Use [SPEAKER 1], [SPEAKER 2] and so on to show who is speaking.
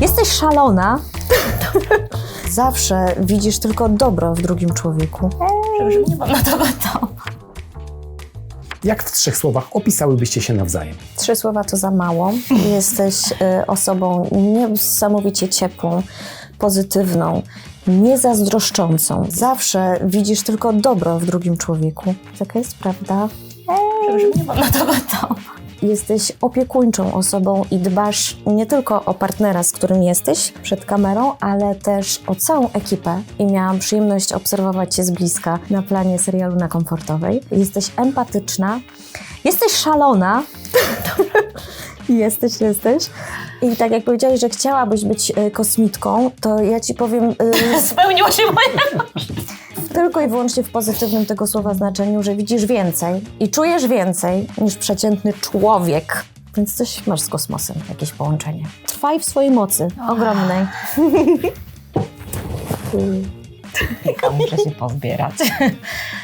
[SPEAKER 1] Jesteś szalona. Zawsze widzisz tylko dobro w drugim człowieku.
[SPEAKER 2] Przepraszam, nie mam na to gotowa.
[SPEAKER 3] Jak w 3 słowach opisałybyście się nawzajem?
[SPEAKER 1] 3 słowa to za mało. Jesteś osobą niesamowicie ciepłą, pozytywną, niezazdroszczącą. Zawsze widzisz tylko dobro w drugim człowieku. Taka jest prawda.
[SPEAKER 2] Przepraszam, nie mam na to gotowa.
[SPEAKER 1] Jesteś opiekuńczą osobą i dbasz nie tylko o partnera, z którym jesteś przed kamerą, ale też o całą ekipę. I miałam przyjemność obserwować Cię z bliska na planie serialu Na Komfortowej. Jesteś empatyczna, jesteś szalona. Jesteś. I tak jak powiedziałeś, że chciałabyś być kosmitką, to ja Ci powiem
[SPEAKER 2] Spełniło się moje...
[SPEAKER 1] tylko i wyłącznie w pozytywnym tego słowa znaczeniu, że widzisz więcej i czujesz więcej niż przeciętny człowiek. Więc coś masz z kosmosem, jakieś połączenie. Trwaj w swojej mocy, ogromnej.
[SPEAKER 2] Muszę się pozbierać.